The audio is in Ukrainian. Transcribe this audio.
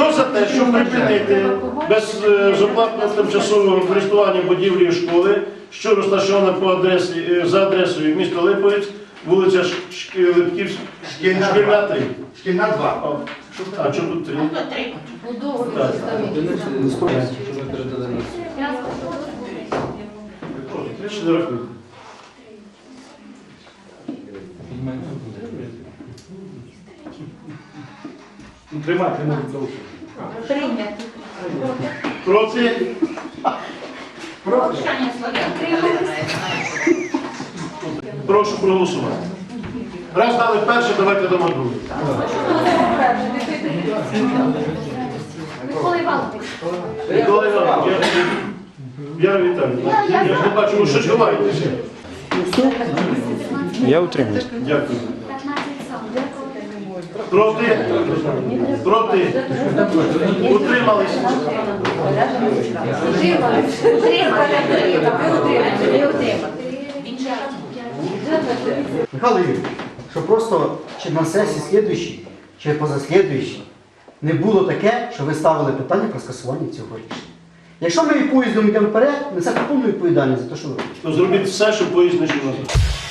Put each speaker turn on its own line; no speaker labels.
Хто за те, щоб припинити безоплатне тимчасове користування будівлі школи, що розташована за адресою міста Липовець, вулиця Липківська, Шкільна 3.
Шкільна 2.
А чому тут 3? Чи не рахуй?
Тримати не можу.
Прийнято.
Проти?
Повчання слов'ян.
Прошу проголосувати. Раз дали перше, давайте дамо друге.
Микола Іванович.
Микола Іванович, Віра Віталіївна, я ж не бачу, ви що ховаєтеся.
Я утримуюсь.
Дякую.
15 сам.
Проти? Проти? Утримались?
Михайло Юрійович, що просто чи на сесії слідуючій, чи позаслідуючій не було таке, що ви ставили питання про скасування цього рішення. Якщо ми поїздом йдемо вперед, несе повну відповідальність за те, що ви робите.
То зробіть все, щоб поїзд не йшов назад.